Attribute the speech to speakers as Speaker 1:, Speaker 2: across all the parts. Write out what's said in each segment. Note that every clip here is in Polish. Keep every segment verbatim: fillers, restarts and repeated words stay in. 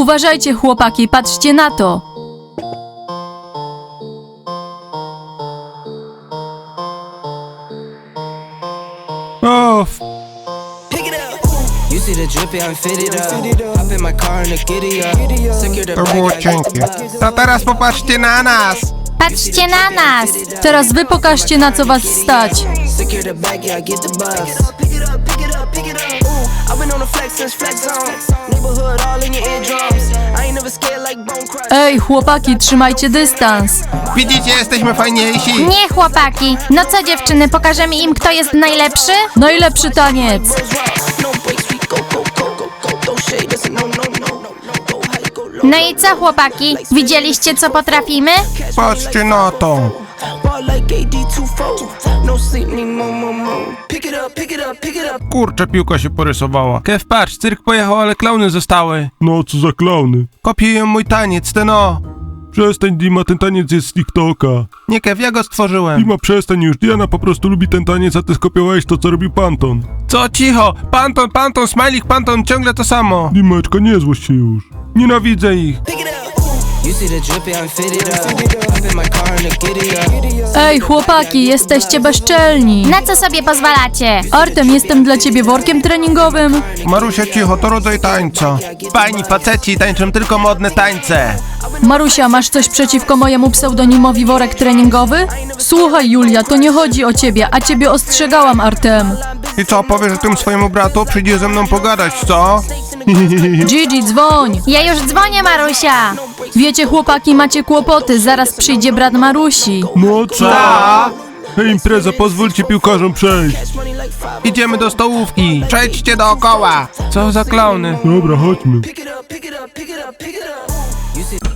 Speaker 1: Uważajcie, chłopaki, patrzcie na to.
Speaker 2: O,
Speaker 3: You see the drippy, I'm fitted up. Hop in my car and the giddy up. Secure the
Speaker 2: to
Speaker 3: bag,
Speaker 2: było
Speaker 3: I got the
Speaker 2: cienkie.
Speaker 3: bus.
Speaker 2: To teraz popatrzcie na nas.
Speaker 4: Patrzcie na nas!
Speaker 1: Teraz wy pokażcie, na co was stać.
Speaker 3: Secure the bag, yeah, I get the bus. Pick it up, pick it up, pick it up. Ooh, I've been on the flex since flex zone. Neighborhood all in your eardrums. I ain't never scared like bone crush.
Speaker 1: Ej, chłopaki, trzymajcie dystans.
Speaker 2: Widzicie, jesteśmy fajniejsi.
Speaker 4: Nie, chłopaki! No co, dziewczyny, pokażemy im, kto jest najlepszy?
Speaker 1: Najlepszy taniec.
Speaker 3: No breaks, we go, go, go, go, go, go, shade. That's a no, no, no, no, no, go high, go low.
Speaker 4: No i co, chłopaki? Widzieliście, co potrafimy?
Speaker 2: Patrzcie na to.
Speaker 3: Ball like A D two four. No sleep, need more, more, more. Pick it up, pick it up, pick it up.
Speaker 2: Kurczę, piłka się porysowała. Kev, patrz, cyrk pojechał, ale klauny zostały.
Speaker 5: No, co za klauny.
Speaker 2: Kopiują mój taniec, ten o.
Speaker 5: Przestań, Dima, ten taniec jest z TikToka.
Speaker 2: Nie, Kev, ja go stworzyłem.
Speaker 5: Dima, przestań już. Diana po prostu lubi ten taniec, a ty skopiowałeś to, co robił Panton.
Speaker 2: Co, cicho. Panton, Panton, Smajlik, Panton, ciągle to samo.
Speaker 5: Dimeczka, nie złość się już.
Speaker 2: Nienawidzę ich.
Speaker 3: Pick it up. You see the drippy, I'm fitted up. Hop in my car and the giddy up.
Speaker 1: Ej, chłopaki, jesteście bezczelni.
Speaker 4: Na co sobie pozwalacie?
Speaker 1: Artem, jestem dla ciebie workiem treningowym.
Speaker 2: Marusia, cicho, to rodzaj tańca. Fajni faceci tańczą tylko modne tańce.
Speaker 1: Marusia, masz coś przeciwko mojemu pseudonimowi worek treningowy? Słuchaj, Julia, to nie chodzi o ciebie, a ciebie ostrzegałam, Artem.
Speaker 2: I co, powiesz o tym swojemu bratu? Przyjdzie ze mną pogadać, co?
Speaker 1: Gigi, dzwoń.
Speaker 4: Ja już dzwonię, Marusia!
Speaker 1: Wiecie, chłopaki, macie kłopoty, zaraz przyjdzie brat Marusi.
Speaker 5: No co?
Speaker 2: A?
Speaker 5: Hej, impreza, pozwólcie piłkarzom przejść.
Speaker 2: Idziemy do stołówki. Przejdźcie dookoła. Co za klauny?
Speaker 5: Dobra, chodźmy.
Speaker 3: Pick it up, pick it up, pick it up, pick it up.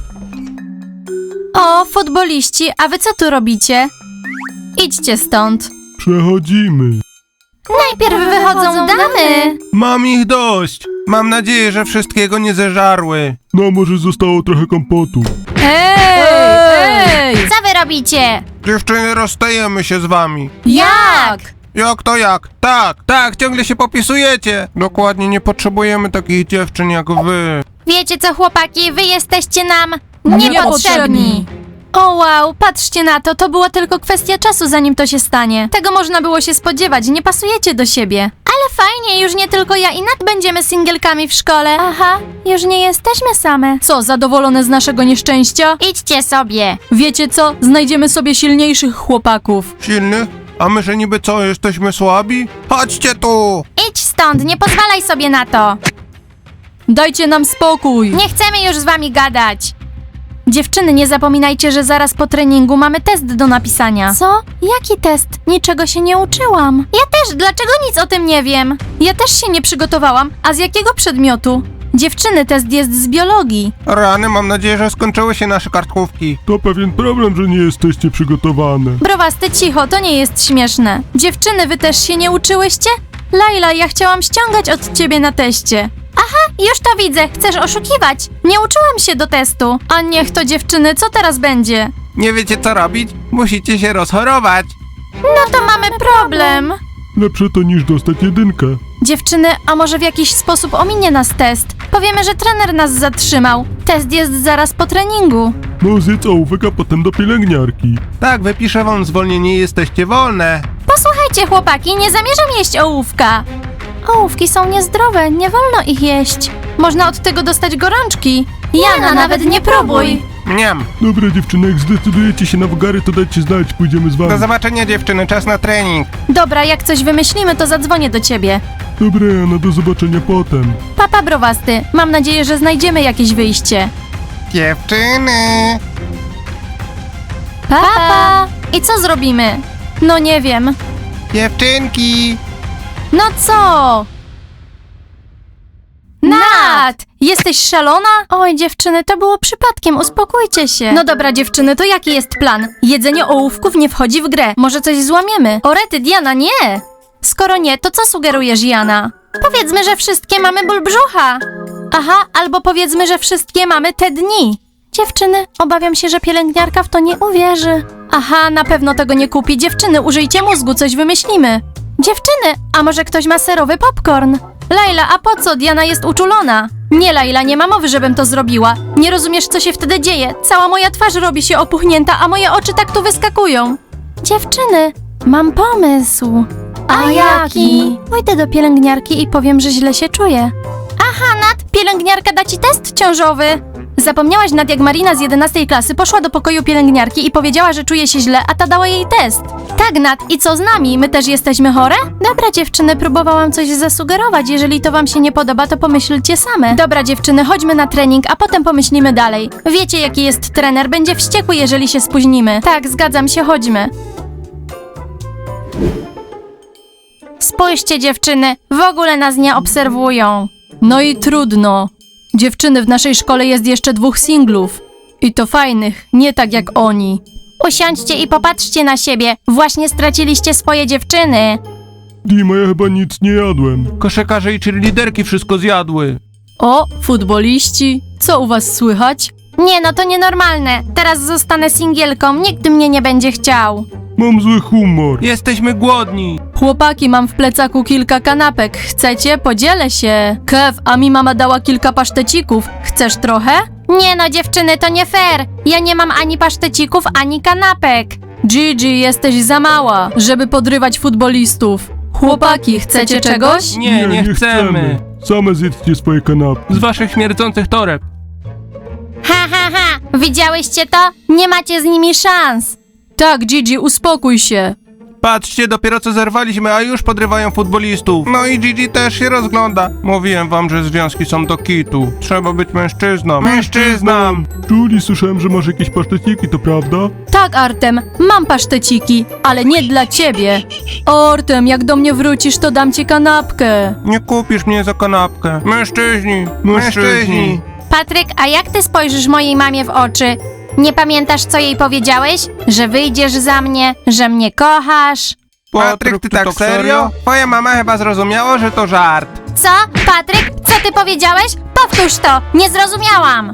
Speaker 1: O, futboliści, a wy co tu robicie? Idźcie stąd.
Speaker 5: Przechodzimy.
Speaker 4: Najpierw wychodzą damy!
Speaker 2: Mam ich dość. Mam nadzieję, że wszystkiego nie zeżarły.
Speaker 5: No, może zostało trochę kompotu.
Speaker 1: Ej! Ej!
Speaker 4: Co wy robicie?
Speaker 2: Dziewczyny, rozstajemy się z wami.
Speaker 1: Jak?
Speaker 2: Jak to jak? Tak, tak, ciągle się popisujecie. Dokładnie, nie potrzebujemy takich dziewczyn jak wy.
Speaker 4: Wiecie co, chłopaki, wy jesteście nam
Speaker 1: Niepotrzebni.
Speaker 4: niepotrzebni!
Speaker 1: O wow, patrzcie na to, to była tylko kwestia czasu, zanim to się stanie. Tego można było się spodziewać, nie pasujecie do siebie.
Speaker 4: Ale fajnie, już nie tylko ja i Nat będziemy singielkami w szkole.
Speaker 1: Aha, już nie jesteśmy same. Co, zadowolone z naszego nieszczęścia?
Speaker 4: Idźcie sobie.
Speaker 1: Wiecie co, znajdziemy sobie silniejszych chłopaków.
Speaker 2: Silnych? A my, że niby co, jesteśmy słabi? Chodźcie tu!
Speaker 4: Idź stąd, nie pozwalaj sobie na to.
Speaker 1: Dajcie nam spokój.
Speaker 4: Nie chcemy już z wami gadać.
Speaker 1: Dziewczyny, nie zapominajcie, że zaraz po treningu mamy test do napisania. Co? Jaki test? Niczego się nie uczyłam.
Speaker 4: Ja też, dlaczego nic o tym nie wiem?
Speaker 1: Ja też się nie przygotowałam. A z jakiego przedmiotu? Dziewczyny, test jest z biologii.
Speaker 2: Rany, mam nadzieję, że skończyły się nasze kartkówki.
Speaker 5: To pewien problem, że nie jesteście przygotowane.
Speaker 1: Browasty, cicho, to nie jest śmieszne. Dziewczyny, wy też się nie uczyłyście? Laila, ja chciałam ściągać od ciebie na teście.
Speaker 4: Aha, już to widzę, chcesz oszukiwać.
Speaker 1: Nie uczyłam się do testu. A niech to, dziewczyny, co teraz będzie?
Speaker 2: Nie wiecie co robić? Musicie się rozchorować.
Speaker 4: No to mamy problem.
Speaker 5: Lepsze to niż dostać jedynkę.
Speaker 1: Dziewczyny, a może w jakiś sposób ominie nas test? Powiemy, że trener nas zatrzymał. Test jest zaraz po treningu.
Speaker 5: No, zjedz ołówek, a potem do pielęgniarki.
Speaker 2: Tak, wypiszę wam zwolnienie i jesteście wolne.
Speaker 4: Posłuchajcie, chłopaki, nie zamierzam jeść ołówka.
Speaker 1: Ołówki są niezdrowe, nie wolno ich jeść. Można od tego dostać gorączki.
Speaker 4: Jana, nawet nie próbuj.
Speaker 2: Niam.
Speaker 5: Dobra, dziewczyny, jak zdecydujecie się na wagary, to dajcie znać, pójdziemy z
Speaker 2: Do
Speaker 5: wami.
Speaker 2: zobaczenia, dziewczyny, czas na trening.
Speaker 1: Dobra, jak coś wymyślimy, to zadzwonię do ciebie.
Speaker 5: Dobra, Jana, do zobaczenia potem.
Speaker 1: Papa, browasty, mam nadzieję, że znajdziemy jakieś wyjście.
Speaker 2: Dziewczyny.
Speaker 1: Papa! I co zrobimy? No nie wiem.
Speaker 2: Dziewczynki.
Speaker 1: No co? Nat! Jesteś szalona? Oj, dziewczyny, to było przypadkiem, uspokójcie się. No dobra, dziewczyny, to jaki jest plan? Jedzenie ołówków nie wchodzi w grę. Może coś złamiemy? O rety, Diana, nie! Skoro nie, to co sugerujesz, Jana?
Speaker 4: Powiedzmy, że wszystkie mamy ból brzucha.
Speaker 1: Aha, albo powiedzmy, że wszystkie mamy te dni. Dziewczyny, obawiam się, że pielęgniarka w to nie uwierzy. Aha, na pewno tego nie kupi. Dziewczyny, użyjcie mózgu, coś wymyślimy. Dziewczyny, a może ktoś ma serowy popcorn? Laila, a po co? Diana jest uczulona. Nie, Laila, nie ma mowy, żebym to zrobiła. Nie rozumiesz, co się wtedy dzieje. Cała moja twarz robi się opuchnięta, a moje oczy tak tu wyskakują. Dziewczyny, mam pomysł.
Speaker 4: A jaki?
Speaker 1: Pójdę do pielęgniarki i powiem, że źle się czuję. Aha, Nat, pielęgniarka da ci test ciążowy. Zapomniałaś, Nat, jak Marina z jedenastej klasy poszła do pokoju pielęgniarki i powiedziała, że czuje się źle, a ta dała jej test. Tak, Nat, i co z nami? My też jesteśmy chore? Dobra, dziewczyny, próbowałam coś zasugerować. Jeżeli to wam się nie podoba, to pomyślcie same. Dobra, dziewczyny, chodźmy na trening, a potem pomyślimy dalej. Wiecie, jaki jest trener, będzie wściekły, jeżeli się spóźnimy. Tak, zgadzam się, chodźmy. Spójrzcie, dziewczyny, w ogóle nas nie obserwują. No i trudno. Dziewczyny, w naszej szkole jest jeszcze dwóch singlów. I to fajnych, nie tak jak oni. Usiądźcie i popatrzcie na siebie. Właśnie straciliście swoje dziewczyny.
Speaker 5: Dima, ja chyba nic nie jadłem.
Speaker 2: Koszykarze i cheerleaderki wszystko zjadły.
Speaker 1: O, futboliści. Co u was słychać? Nie, no to nienormalne. Teraz zostanę singielką, nikt mnie nie będzie chciał.
Speaker 5: Mam zły humor.
Speaker 2: Jesteśmy głodni.
Speaker 1: Chłopaki, mam w plecaku kilka kanapek. Chcecie? Podzielę się. Kev, a mi mama dała kilka pasztecików. Chcesz trochę? Nie no, dziewczyny, to nie fair. Ja nie mam ani pasztecików, ani kanapek. Gigi, jesteś za mała, żeby podrywać futbolistów. Chłopaki, chcecie czegoś?
Speaker 2: Nie, nie, chcemy.
Speaker 5: Same zjedzcie swoje kanapki.
Speaker 2: Z waszych śmierdzących toreb.
Speaker 4: Ha, ha, ha! Widziałyście to? Nie macie z nimi szans.
Speaker 1: Tak, Gigi, uspokój się.
Speaker 2: Patrzcie, dopiero co zerwaliśmy, a już podrywają futbolistów. No i Gigi też się rozgląda. Mówiłem wam, że związki są do kitu. Trzeba być mężczyzną. Mężczyzną!
Speaker 5: Julie, słyszałem, że masz jakieś paszteciki, to prawda?
Speaker 1: Tak, Artem, mam paszteciki, ale nie dla ciebie. Artem, jak do mnie wrócisz, to dam ci kanapkę.
Speaker 2: Nie kupisz mnie za kanapkę. Mężczyźni! Mężczyźni!
Speaker 4: Patryk, a jak ty spojrzysz mojej mamie w oczy? Nie pamiętasz, co jej powiedziałeś? Że wyjdziesz za mnie, że mnie kochasz?
Speaker 2: Patryk, ty tak serio? Twoja mama chyba zrozumiała, że to żart.
Speaker 4: Co? Patryk, co ty powiedziałeś? Powtórz to! Nie zrozumiałam!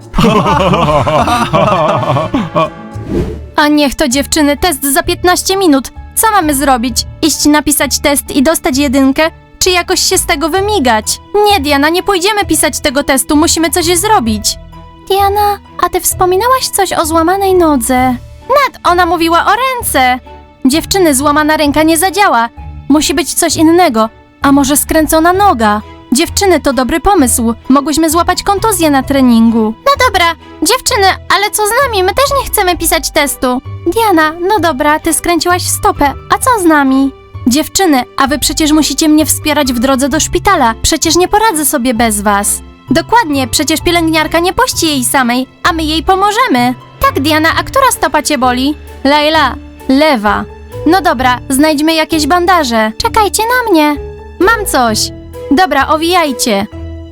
Speaker 1: A niech to, dziewczyny, test za piętnaście minut. Co mamy zrobić? Iść napisać test i dostać jedynkę? Czy jakoś się z tego wymigać? Nie, Diana, nie pójdziemy pisać tego testu, musimy coś zrobić. Diana, a ty wspominałaś coś o złamanej nodze. Nat, ona mówiła o ręce. Dziewczyny, złamana ręka nie zadziała. Musi być coś innego. A może skręcona noga? Dziewczyny, to dobry pomysł. Mogłyśmy złapać kontuzję na treningu.
Speaker 4: No dobra, dziewczyny, ale co z nami? My też nie chcemy pisać testu.
Speaker 1: Diana, no dobra, ty skręciłaś stopę. A co z nami? Dziewczyny, a wy przecież musicie mnie wspierać w drodze do szpitala. Przecież nie poradzę sobie bez was. Dokładnie, przecież pielęgniarka nie puści jej samej, a my jej pomożemy. Tak, Diana, a która stopa cię boli? Laila, lewa. No dobra, znajdźmy jakieś bandaże. Czekajcie na mnie. Mam coś. Dobra, owijajcie.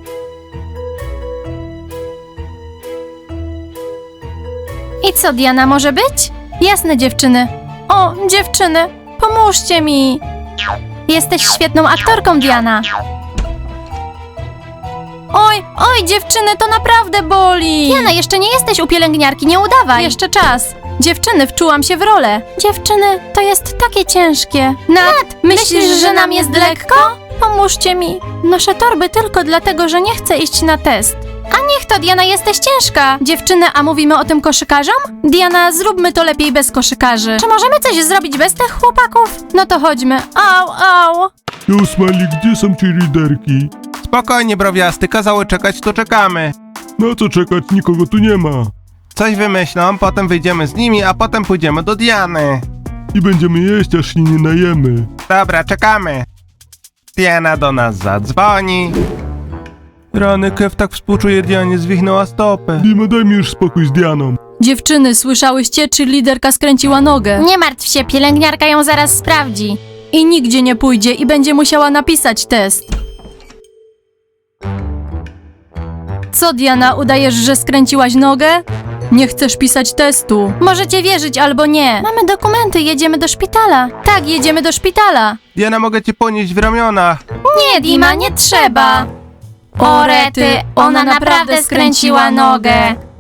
Speaker 1: I co, Diana, może być? Jasne, dziewczyny. O, dziewczyny, pomóżcie mi. Jesteś świetną aktorką, Diana. Oj, oj, dziewczyny, to naprawdę boli.
Speaker 4: Diana, jeszcze nie jesteś u pielęgniarki, nie udawaj.
Speaker 1: Jeszcze czas. Dziewczyny, wczułam się w rolę. Dziewczyny, to jest takie ciężkie. Nat, myślisz,
Speaker 4: myślisz,
Speaker 1: że
Speaker 4: że
Speaker 1: nam jest lekko? Pomóżcie mi. Noszę torby tylko dlatego, że nie chcę iść na test. A niech to, Diana, jesteś ciężka. Dziewczyny, a mówimy o tym koszykarzom? Diana, zróbmy to lepiej bez koszykarzy. Czy możemy coś zrobić bez tych chłopaków? No to chodźmy. Au, au.
Speaker 5: Jo, Smiley, gdzie są cheerleaderki?
Speaker 2: Spokojnie, browiasty, kazały czekać, to czekamy.
Speaker 5: Na co czekać? Nikogo tu nie ma.
Speaker 2: Coś wymyślą, potem wyjdziemy z nimi, a potem pójdziemy do Diany.
Speaker 5: I będziemy jeść, aż się nie najemy.
Speaker 2: Dobra, czekamy. Diana do nas zadzwoni. Rany, Kev tak współczuje Dianie, zwichnęła stopę.
Speaker 5: Dima, daj mi już spokój z Dianą.
Speaker 1: Dziewczyny, słyszałyście, czy liderka skręciła nogę?
Speaker 4: Nie martw się, pielęgniarka ją zaraz sprawdzi.
Speaker 1: I nigdzie nie pójdzie i będzie musiała napisać test. Co, Diana, udajesz, że skręciłaś nogę? Nie chcesz pisać testu. Możecie wierzyć albo nie. Mamy dokumenty, jedziemy do szpitala. Tak, jedziemy do szpitala.
Speaker 2: Diana, mogę cię ponieść w ramionach.
Speaker 1: Nie, Dima, nie trzeba.
Speaker 4: O rety, ona naprawdę skręciła nogę.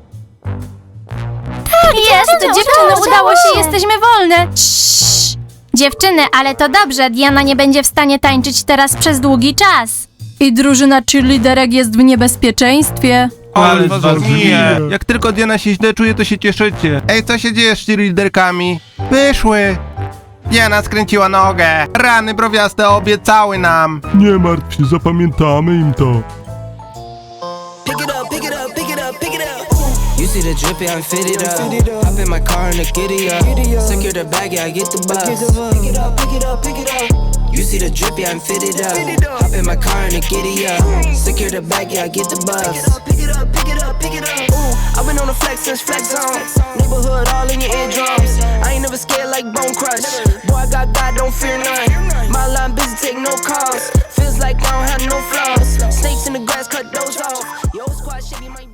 Speaker 1: Tak, jest, dziewczyny, udało się, jesteśmy wolne.
Speaker 4: Dziewczyny, ale to dobrze, Diana nie będzie w stanie tańczyć teraz przez długi czas.
Speaker 1: I drużyna cheerleaderek jest w niebezpieczeństwie.
Speaker 2: Ale
Speaker 5: was
Speaker 2: was
Speaker 5: rozumie.
Speaker 2: mije. Jak tylko Diana się źle czuje, to się cieszycie. Ej, co się dzieje z cheerleaderkami? Wyszły. Diana skręciła nogę. Rany browiaste obiecały nam.
Speaker 5: Nie martw się, zapamiętamy im to.
Speaker 3: Pick it up, pick it up, pick it up, pick it up. Ooh. You see the drippy, I'm fitted up. Hop in my car and the giddy up. Secure the bag, yeah, I get the bus. Pick it up, pick it up, pick it up. You see the drippy, I'm fitted up. Hop in my car and the giddy up. Secure the bag, yeah, I get the bus. Pick it up, pick it up, pick it up. Ooh, I've been on the flex since flex zone. Neighborhood all in your eardrums. I ain't never scared like Bone Crush. Boy, I got God, don't fear none. My line busy, take no calls. Feels like I don't have no flaws. Snakes in the grass, cut those off. Yo, squad shady, might